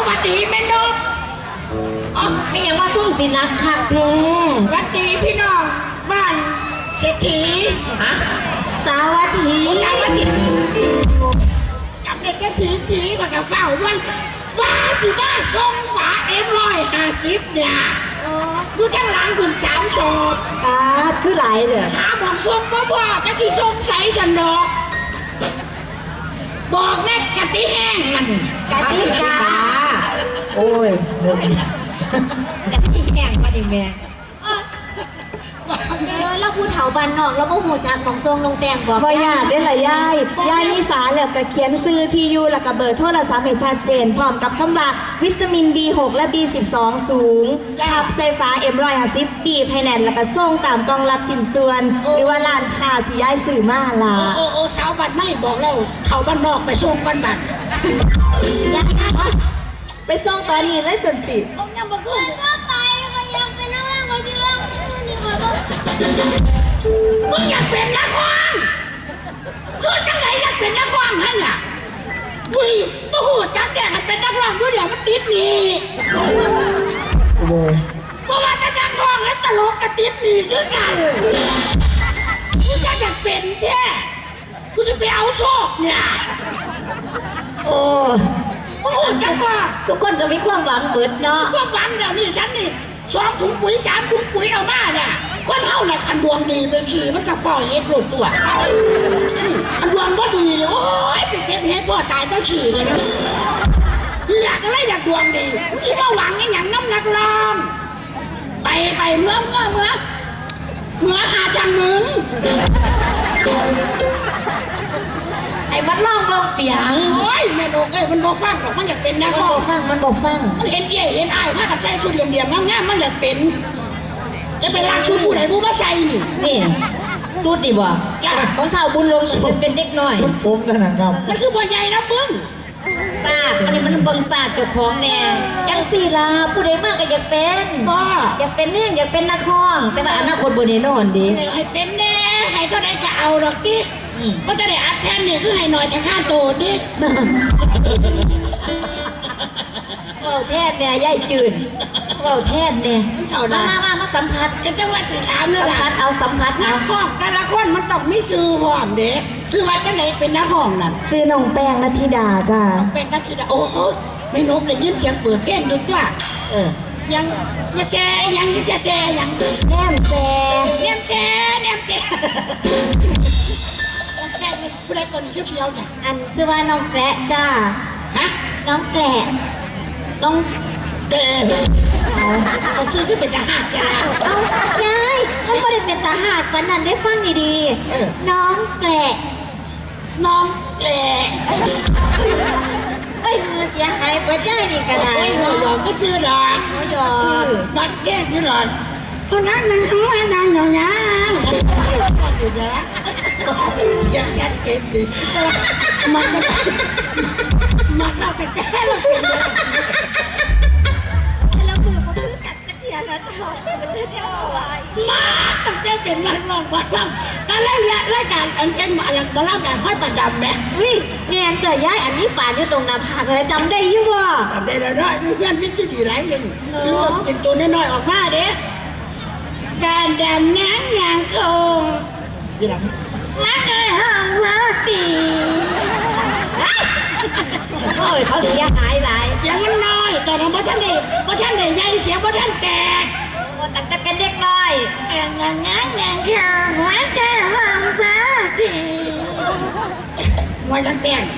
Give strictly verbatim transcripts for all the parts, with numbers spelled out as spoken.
วัสดีแม่นกอ๋อไม่ยังว่าซุ่มสินักคักแท้สวัสดีพี่น้องบ้านเศรษฐีฮะสวัสดีสวัสดีจับเด็กแค่ถีถีก่อนจะเฝ้าวันฟ้าสิบ้าทรงฝาเอ็มร้อยห้าสิบเนี่ยดูทั้งหลังคุณสามโฉบตาคือหลายเด้อหาบอกทรงพ่อพ่อจะที่ทรงใสสันดอกบอกแม่กะทิแห้งมันกะทิกาโอ้ยกะทิแห้งมาดิแม่เออเราพูดเถาบันนอกเราโมโหจากของทรงลงแปงบอกบ่ยากได้ละยายยายนี่ฝาแล้วก็เขียนซื้อที่อยู่แล้วก็เบอร์โทรศัพท์ให้ชัดเจนพร้อมกับคำว่าวิตามิน บี หก และ บี สิบสอง สูงทับใส่ฟ้า เอ็ม หนึ่งร้อยห้าสิบ บีบให้แน่นแล้วก็ส่งตามกล่องรับชิ้นส่วน หรือว่าร้านค้าที่ยายซื้อมาล่ะโอ้โอ้สาวบ้านในบอกแล้วเขาบ้านนอกไปส่งกันบัดไปส่งตอนนี้เลยสันติเอาเนี่ยมาขึ้นก็ไปก็ยังเป็นนักร้องก็จะร้องนี่ก็ต้องมึงอยากเป็นนักร้องคือจังไหนอยากเป็นนักร้องฮะเนี่ยวุ้ยบ่หูจักแก่กันเป็นนักร้องด้วยเดี๋ยวมันติดหนี่โอ้โหเพราะว่าจะนักร้องและตลกกับติดหนี่คือกันกูจะอยากเป็นแท้กูจะไปเอาโชคเนี่ยโอ้บ่หูจักว่าทุกคนก็มีความหวังเบิดเนาะก็หวังเดี๋ยวนี้ฉันนี่สองถุงปุ๋ยสามถุงปุ๋ยเอามาเนี่ยคนเฮาเนี่ยคันดวงดีไปขี่มันกับพ่อเฮ็ดหลุดตัวคันดวงบ่ดีเลยโอ้ยไปเก็บเฮ็ดพ่อตายตั้งขี่เลยนะอยากอะไรอยากดวงดีที่มาหวังไอ้อย่างน้ำหนักลองไปไปเมื่อเมื่อเมื่อเมื่อหาจังมึงไอ้มันล่องลงเปียงโอ้ยแม่โดกเอ้ยมันบ่ฟังหรอกมันอยากเป็นนัมักนร้อบ งอฟังมันบอฟังมันเห็นเย่เห็นอ้ายพากันใส่ชุดเหลี่ยมๆงามๆมันอยากเป็นจะเป็นรักชุดผู้ใดผู้มาใส่นี่นี่สูตรดีบ่จ้ะของเท่าบุญลงมันเป็นเด็กน้อยชุดผมนั่นนะครับมันคือพ่อใหญ่นะมึงทราบอันนี้มันเบิ่งทราบเจ้าของแน่ยังสี่ลาผู้ใดมากก็อยากเป็นบ้าอยากเป็นเนี่ยอยากเป็นนักร้อง แต่ว่าอนาคตบ่แน่นอนดิให้เป็นแน่ให้เท่าใดก็เอาดอกดิอืมมันจะได้อัดแผ่นนี่คือให้หน่อยแต่ค่าโตดิเว้าแทนเนี่ยยายจืนเว้าแทนเนี่ยมามามามาสัมผัสจะจังว่าสิถามเลยสัมล่ะผัสเอาสัมผัสนัเอากห้องแต่ละคนมันต้องมีชื่อพร้อมเด้ชื่อว่าจังไหนเป็นนักห้องนั่นซื้อน้องแป้งนัทธิดาจ้าเป็นนักกีฬาโอ้โหไม่นกได้ยินเสียงเปิดเพลงดูจ้าเออยังยาแซยังยาแซยังแนมแซเนียมแซเนียมแซแค่ผู้ใดคนนี้เชียวๆเนี่ยอันซื้อว่าน้องแกละจ้าฮะน้องแกละต้องเตะเอาเอาซื้อขึ้นเป็นทหารกันแล้วเอ้ายายเขาไม่ได้เป็นตาหากวันนั้นได้ฟังดีเออๆน้องแกละน้องเตะเอ้ยมือเสียหายเปิดใจนี่ก็ได้โอ้ยหลอกก็ชื่อดอกโอ้ยอบัดแยกที่ดอกเพราะนั้นยังทั้งวันยังอย่างนี้อยู่นะเสียงชัดเจนดีมันจะมันเราแต่แก่เราเป็นเลยแล้วมือมันคือกัดกระเทียมนะจ๊ะมันเรียกว่าอะไรมาตั้งแต่เป็นนักร้องบอลลัมการเล่นรายการอันเป็นมาหลังบอลลัมแบบห้อยประจำไหมอุ้ยเนียนเต๋อยายอันนี้ป่านอยู่ตรงหน้าผากเลยจำได้ยี่ว่าจำได้แล้วเนาะเพื่อนพิจิตรหลายเรื่องคือเป็นตัวน้อยๆออกมาเด้การดำน้ำยางคงยี่หลังนักเลยห้องรักดีโอ้ยเขาเสียหายหลายเสียงมันน้อยแต่เราบ่ท่านได้บ่ท่านได้ใหญ่เสียงบ่ท่านแตกโอ้ตั้งแต่เป็นเด็กน้อยงานงานงานงานเธอหัวใจห้องรักดีหัวยันแป้ง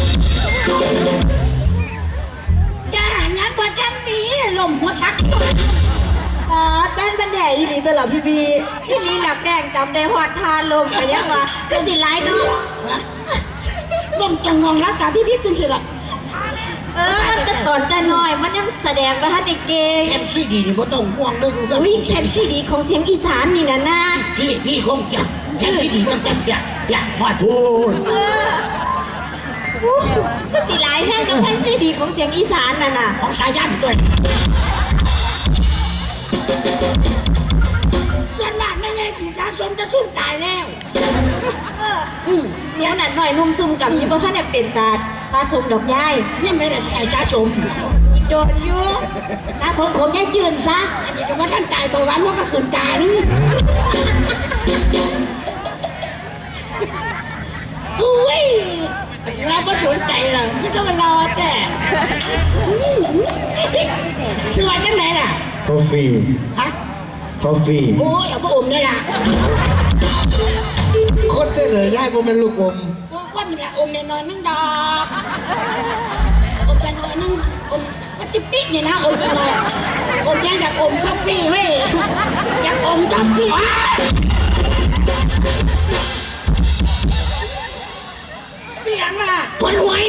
จะหางานบ่ท่านมีลมหัวชักอ่าแฟนบันแดอีหลีตลอดพี่บีอีหลีหลับแดงจำได้หอดทานลมไปยังวะคือสิร้ายเนาะลมจังงองรักตาพี่พี่เป็นสิละเออมันแต่ตอนแต่น้อยมันยังแสดงว่าท่านเด็กเก่งแผ่นซีดีนี่บ่ต้องห่วงเลยดูกันอุ้ยแผ่นซีดีของเสียงอีสานนี่นะนะพี่พี่คงจะแผ่นซีดีตั้งแต่อยากอยากมาพูดเอออู้คือสิร้ายแห้งกับแผ่นซีดีของเสียงอีสานน่ะน่ะของสายันด้วยส่วนมากไม่ใช่ที่สะสมจะสุ่มตายแล้วเอออืมเดี๋ยวนั้นหน่อยนุ่มซุ่มกับยี่บ่พันเนี่ยเป็นตาตาสมดอกยายนี่ไม่ได้ใช่สะสมอีโดนอยู่สะสมของยายจืนซะอันนี้ก็ว่าท่านตายเบาหวานว่าก็ขืนตานี่อุ้ยอาจารย์ก็สนใจหรอกไม่ต้องมารอแต่ชื่อว่าจังไหนล่ะทอฟฟี่ฮะทอฟฟี่โอ้ยเอาพระอมนี่ล่ะคนได้เลยย่ายผมเป็นลูกอมโอ้ยก้อนนี่ล่ะอมในนอนนั่งดอกอมจะนอนนั่งอมมันติ๊กติ๊กเนี่ยนะอมจะนอนอมยังอยากอมท็อฟฟี่เว้ยอยากอมท็อฟฟี่เปียงล่ะผลหวย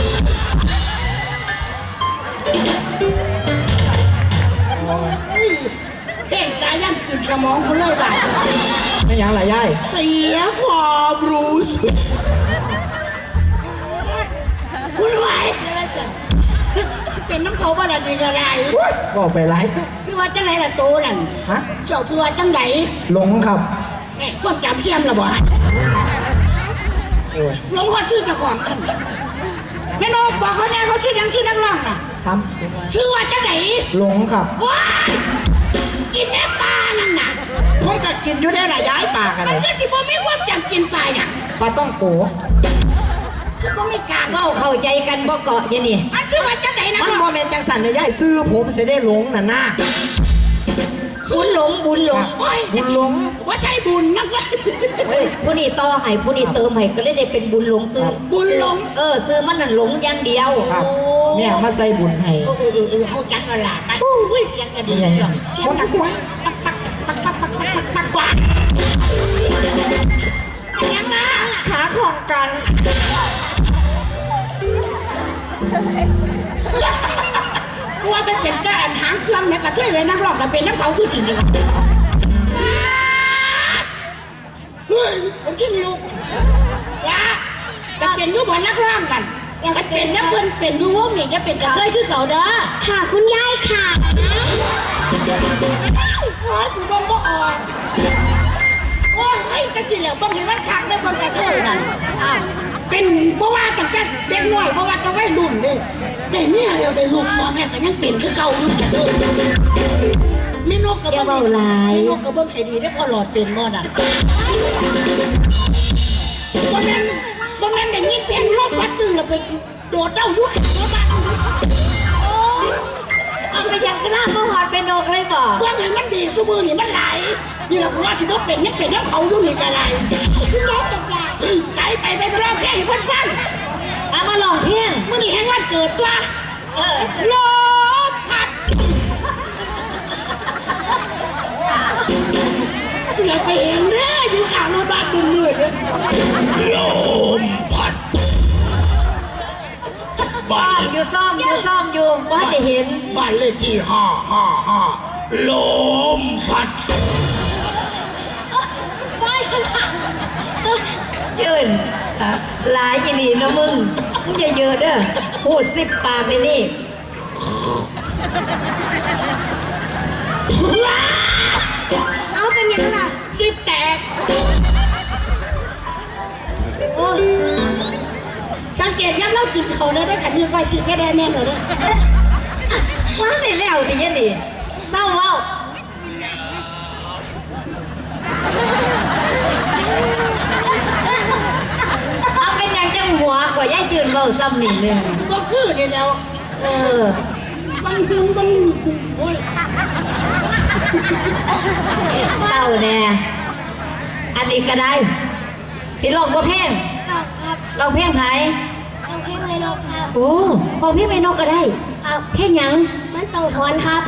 เห็นสายันขึ้นสมองเขาเลยว่ะไม่ยังไรย่ายเสียความรู้สึกคุณไหวเป็นน้ำเขาบ้านอะไรกันไรบอกไปไรชื่อว่าจังไหนล่ะโตนั่นฮะเจ้าชื่อว่าจังไหนหลงครับเนี่ยความจำเสียมระบ่โอ้ยหลงคนชื่อเจ้าของกันแม่นกบอกเขาแน่เขาชื่อยังชื่อนักร้องน่ะทชื่อว่าจังไหนำหลงครับว้ายกินแม่ปลานั่นน่ะผมก็กินอยู่ได้ละย้ายปากกันมัเลนยก็สิบ่มีความจำกินปลาอย่างปลาต้องโกสิบ่มีการเว้าเข้าใจกันบ่เกาะยะนี่อันชื่อว่าจังไหนนะมันโมเมนต์จังสันเลยย่ายซื้อผมเสียได้หลงน่ะหน้าบุญหลงบุญหลงโอ้ยบุญหลงว่าใช่บุญนะเฮ้ยผู้นี้ต่อให้ผู้นี้เติมให้ก็เลยได้เป็นบุญหลงซื้อบุญหลงเออซื้อมันนั่นหลงอย่างเดียวครับแม่มาใส่บุญให้เออเออเออเออเขาจัดมาละไปอุ้ยเสียงกระดิ่งหรอกเสียงดังปักปักปักปักปักปักปักปักปักยังมาขาของกันกลัวเป็นเป็นแต่อันหางเครื่องเนี่ยกระเทยไว้นักร้องกับเป็นน้ำเขาคือสิเนี่ยเฮ้ยผมชื่อนิวยะจะเป็นยุบนักร้องกันยังเป็นนักเพิ่นเป็นยูวงนี่จะเป็นกระเทยคือเขาเด้อค่ะคุณยายค่ะโอ้ยกูโดนบ่ออกโอ้ยกระสิแล้วต้องเห็นมันคักได้บางกระเทยนั่นอ้าวเป็นเพราะว่าตั้งแต่เด็กน้อยเพราะว่าตั้งวัยรุ่นเด้ได้เนี่ยแล้วได้ลูกสองแล้วก็ยังเป็นคือเก่าอยู่เด้อมีนกกระอย่าเบื้องเว้าหลายมีนกกระเบื้องให้ดีได้พอหลอดเป็นบ่น่ะบ่แม่นบ่แม่นได้ยินเสียงลมพัดตึงแล้วไปโดดเด้าอยู่ข้างรถบ้านเอาไปยังกระลาบมาหอดเป็นนกเลยบ่เบื้องนี้มันดีซุมือนี่มันไหลนี่เราว่าสิบ่เป็นยังเป็นน้ำเขาอยู่นี่ก็ได้คุณยายตกใจไปไปไปไปร้องเพลงให้เพิ่นฟังเอามาลองเพลงมื่อนี้แห่งวันเกิดตัวเออลมพัดอย่าไปเห็นเด้ออยู่ข้างรถบ้านมืดๆเลยลมพัดซ่บ้าอน มอยู่ซ่อมอยู่ซ่อมอยู่ว่าจะเห็นบ้านเลขที่ห้าห้าห้าลมพัดยืนหลายอีหลีเนาะมึงมึงอย่าเยอะเด้อพูดสิบปากเลยนี่เอาเป็นยังล่ะสิบแตกโอ้สังเกตยังเรากินเขาเลยได้ขันยืนไว้สิแกได้แม่นเลยว่าได้แล้วดิยันดิเศร้าเว้าเอาเป็นอย่างจังหัวกว่าย่ายจืนเว้าซ้ำนิดนึงก็คือเดี๋ยวแล้วเออบังหึงบังโอ้ยเศร้าแน่อันนี้ก็ได้สิลองบ่เพลงครับครับลองเพลงไผเอาเพลงเลยเนาะครับโอ้พอพี่ไม่นกก็ได้ครับเพลงหยังมันต้องถอนครับ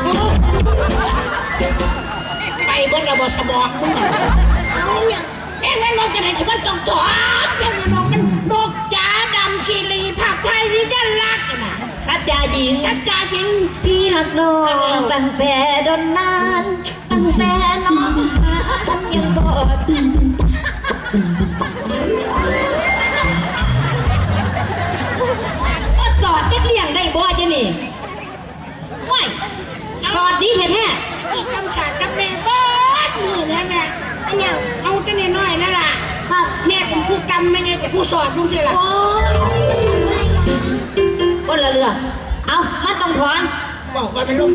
ไปเบิ้ลระบบสมองมึงเอาอย่างแม่งนกจะไหนสิมันต้องถอนแม่งนกมันนกจ๋าดำชีรีภาพไทยวิญญาณรักนะสัจจาจีนสัจจายิงพี่หักน้องตั้งแต่ดนนาน ตั้งแต่น้องหาฉันยังบ่ว่าสอดจักเลี่ยงได้บ่จะนี่ว้ายสอดดีแท้อีกคำฉาดกับแม่เบิดมือแล้วแม่อันอย่างเอาแต่นน้อยๆนั่นล่ะครับแม่เป็นผู้กำไม่ไงเป็นผู้สอนลุงสิล่ะโอ้อะไรครับๆคนละเรื่องเอามันต้องถอนคบอกว่ามันลง